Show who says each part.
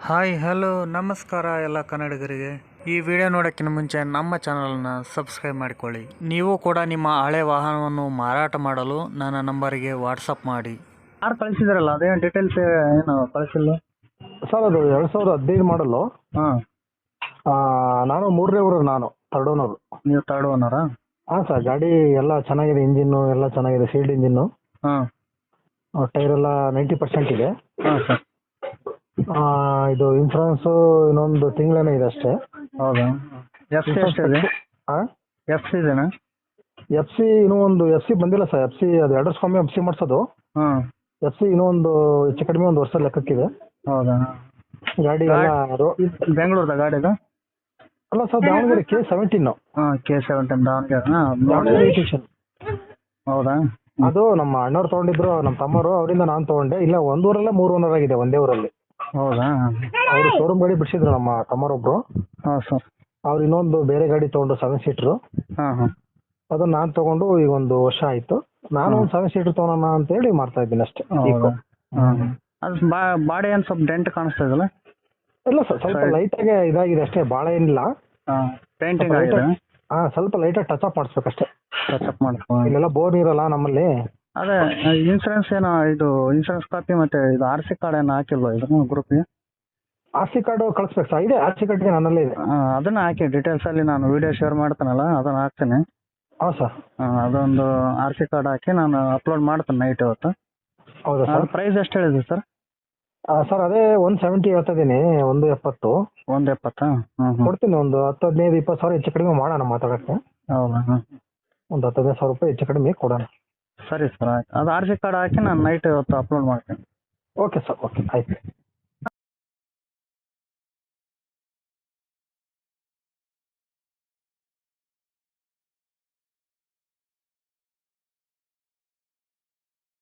Speaker 1: Hi hello ನಮಸ್ಕಾರ ಎಲ್ಲ ಕನ್ನಡಿಗರಿಗೆ. ಈ ವಿಡಿಯೋ ನೋಡೋಕ್ಕಿಂತ ಮುಂಚೆ ನಮ್ಮ ಚಾನಲನ್ನು ಸಬ್ಸ್ಕ್ರೈಬ್ ಮಾಡಿಕೊಳ್ಳಿ. ನೀವು ಕೂಡ ನಿಮ್ಮ ಹಳೆ ವಾಹನವನ್ನು ಮಾರಾಟ ಮಾಡಲು ನನ್ನ ನಂಬರಿಗೆ ವಾಟ್ಸಪ್ ಮಾಡಿ. ಯಾರು ಕಳಿಸಿದ್ರಲ್ಲ ಅದೇ ಡೀಟೇಲ್ಸ್ ಏನು ಕಳಿಸಿಲ್ಲ
Speaker 2: ಸರ್. ಅದು 2015 ಮಾಡಲು.
Speaker 1: ಹಾಂ,
Speaker 2: ನಾನು 3ನೇ ಊರು, ನಾನು ಥರ್ಡ್ ಓನರು.
Speaker 1: ನೀವು ತರ್ಡ್ ಓನರಾ?
Speaker 2: ಹಾಂ ಸರ್, ಗಾಡಿ ಎಲ್ಲ ಚೆನ್ನಾಗಿದೆ, ಇಂಜಿನ್ನು ಎಲ್ಲ ಚೆನ್ನಾಗಿದೆ, ಸೀಲ್ಡ್ ಇಂಜಿನ್ನು.
Speaker 1: ಹಾಂ
Speaker 2: ಟೈರ್ ಎಲ್ಲ 90% ಇದೆ.
Speaker 1: ಹಾಂ ಸರ್.
Speaker 2: ಇದು ಇನ್ಶೂರೆನ್ಸು ಇನ್ನೊಂದು ತಿಂಗಳೇನೋ ಇದೆ ಅಷ್ಟೇ.
Speaker 1: ಹೌದಾ? ಎಫ್ ಸಿ ಎಷ್ಟಿದೆ?
Speaker 2: ಹಾಂ,
Speaker 1: ಎಫ್ ಸಿ ಇದೆನಾ?
Speaker 2: ಎಫ್ ಸಿ ಇನ್ನೂ ಒಂದು ಎಫ್ ಸಿ ಬಂದಿಲ್ಲ ಸರ್. ಎಫ್ ಸಿ ಅದು 2 ವರ್ಷಕ್ಕೊಮ್ಮೆ ಎಫ್ ಸಿ ಮಾಡಿಸೋದು.
Speaker 1: ಹಾಂ,
Speaker 2: ಎಫ್ ಸಿ ಇನ್ನೂ ಒಂದು ಹೆಚ್ಚು ಕಡಿಮೆ ಒಂದು ವರ್ಷ ಲೆಕ್ಕಕ್ಕಿದೆ.
Speaker 1: ಹೌದಾ?
Speaker 2: ಗಾಡಿ ಎಲ್ಲ
Speaker 1: ಬೆಂಗಳೂರದ ಗಾಡಿದು?
Speaker 2: ಅಲ್ಲ ಸರ್, ದಾವಣಗೆರೆ K17.
Speaker 1: ಹಾಂ, K17 ದಾವಣಗೆರೆ.
Speaker 2: ದಾವಣಗೆರೆ ಎಡಿಷನ್.
Speaker 1: ಹೌದಾ?
Speaker 2: ಅದು ನಮ್ಮ ಅಣ್ಣವ್ರು ತೊಗೊಂಡಿದ್ರು, ನಮ್ಮ ತಮ್ಮರು, ಅವರಿಂದ ನಾನು ತೊಗೊಂಡೆ. ಇಲ್ಲ, ಒಂದು ಊರಲ್ಲೇ 3 ಓನರ್ ಆಗಿದೆ ಒಂದೇ ಊರಲ್ಲಿ.
Speaker 1: ಹೌದಾ?
Speaker 2: ಅವರು ಶೋರೂಮ್ ಗಾಡಿ ಬಿಡಿಸಿದ್ರು ನಮ್ಮ ತಮ್ಮರೊಬ್ರು.
Speaker 1: ಹಾಂ ಸರ್.
Speaker 2: ಅವ್ರು ಇನ್ನೊಂದು ಬೇರೆ ಗಾಡಿ ತೊಗೊಂಡು 7 ಸೀಟ್ರು.
Speaker 1: ಹಾಂ ಹಾಂ.
Speaker 2: ಅದನ್ನ ನಾನು ತೊಗೊಂಡು ಈಗ ಒಂದು ವರ್ಷ ಆಯಿತು. ನಾನು ಒಂದು 7 ಸೀಟ್ರ್ ತೊಗೊಳೋಣ ಅಂತೇಳಿ ಮಾಡ್ತಾ ಇದ್ದೀನಿ ಅಷ್ಟೇ.
Speaker 1: ಹೌದಾ? ಹಾಂ. ಅದು ಬಾಡಿ ಏನು ಸ್ವಲ್ಪ ಡೆಂಟ್ ಕಾಣಿಸ್ತಾ ಇದೆಯಲ್ಲ?
Speaker 2: ಇಲ್ಲ ಸರ್, ಸ್ವಲ್ಪ ಲೈಟಾಗೆ ಇದಾಗಿದೆ ಅಷ್ಟೇ, ಭಾಳ ಏನಿಲ್ಲ.
Speaker 1: ಹಾಂ, ಪೇಂಟಿಂಗ್ ಆಗಿದೆ?
Speaker 2: ಹಾಂ, ಸ್ವಲ್ಪ ಲೈಟಾಗಿ ಟಚ್ ಅಪ್ ಮಾಡಿಸ್ಬೇಕಷ್ಟೇ.
Speaker 1: ಟಚ್ ಅಪ್ ಮಾಡ್ಕೊ.
Speaker 2: ಇಲ್ಲೆಲ್ಲ ಬೋರ್ ಇರಲ್ಲ ನಮ್ಮಲ್ಲಿ.
Speaker 1: ಅದೇ ಇನ್ಸೂರೆನ್ಸ್ ಏನೋ, ಇದು ಇನ್ಸೂರೆನ್ಸ್ ಕಾಪಿ ಮತ್ತು ಇದು ಆರ್ ಸಿ ಕಾರ್ಡ್ ಏನು ಹಾಕಿಲ್ವಾ ಇದು ಗ್ರೂಪ್ಗೆ?
Speaker 2: ಆರ್ ಸಿ ಕಾರ್ಡು ಕಳಿಸ್ಬೇಕು ಸರ್. ಇದೆ, ಆರ್ ಸಿ ಕಾರ್ಡ್ಗೆ ನನ್ನಲ್ಲೇ ಇದೆ.
Speaker 1: ಹಾಂ, ಅದನ್ನು ಹಾಕಿ ಡೀಟೇಲ್ಸಲ್ಲಿ ನಾನು ವಿಡಿಯೋ ಶೇರ್ ಮಾಡ್ತಾನಲ್ಲ ಅದನ್ನು ಹಾಕ್ತೀನಿ.
Speaker 2: ಹಾಂ ಸರ್.
Speaker 1: ಹಾಂ, ಅದೊಂದು ಆರ್ ಸಿ ಕಾರ್ಡ್ ಹಾಕಿ ನಾನು ಅಪ್ಲೋಡ್ ಮಾಡ್ತೀನಿ ನೈಟ್ ಇವತ್ತು.
Speaker 2: ಹೌದಾ
Speaker 1: ಅದು
Speaker 2: ಸರ್?
Speaker 1: ಪ್ರೈಸ್ ಎಷ್ಟು ಹೇಳಿದೆ ಸರ್?
Speaker 2: ಸರ್ ಅದೇ 170 ಹೇಳ್ತಾ ಇದ್ದೀನಿ. 170.
Speaker 1: 170? ಹ್ಞೂ ಹ್ಞೂ.
Speaker 2: ಕೊಡ್ತೀನಿ. ಒಂದು 10, 15, 20 ಸಾವಿರ ಹೆಚ್ಚು ಕಡಿಮೆ ಮಾಡೋಣ ಮಾತಾಡೋಕ್ಕೆ.
Speaker 1: ಹೌದಾ? ಹಾಂ,
Speaker 2: ಒಂದು 10, 15 ಸಾವಿರ ರೂಪಾಯಿ ಹೆಚ್ಚು ಕಡಿಮೆ ಕೊಡೋಣ.
Speaker 1: ಸರಿ ಸರ್, ಆಯ್ತು. ಅದು ಆರ್ ಸಿ ಕಾರ್ಡ್ ಹಾಕಿ ನಾನು ನೈಟ್ ಇವತ್ತು ಅಪ್ಲೋಡ್ ಮಾಡ್ತೀನಿ.
Speaker 2: ಓಕೆ ಸರ್, ಓಕೆ, ಆಯ್ತು.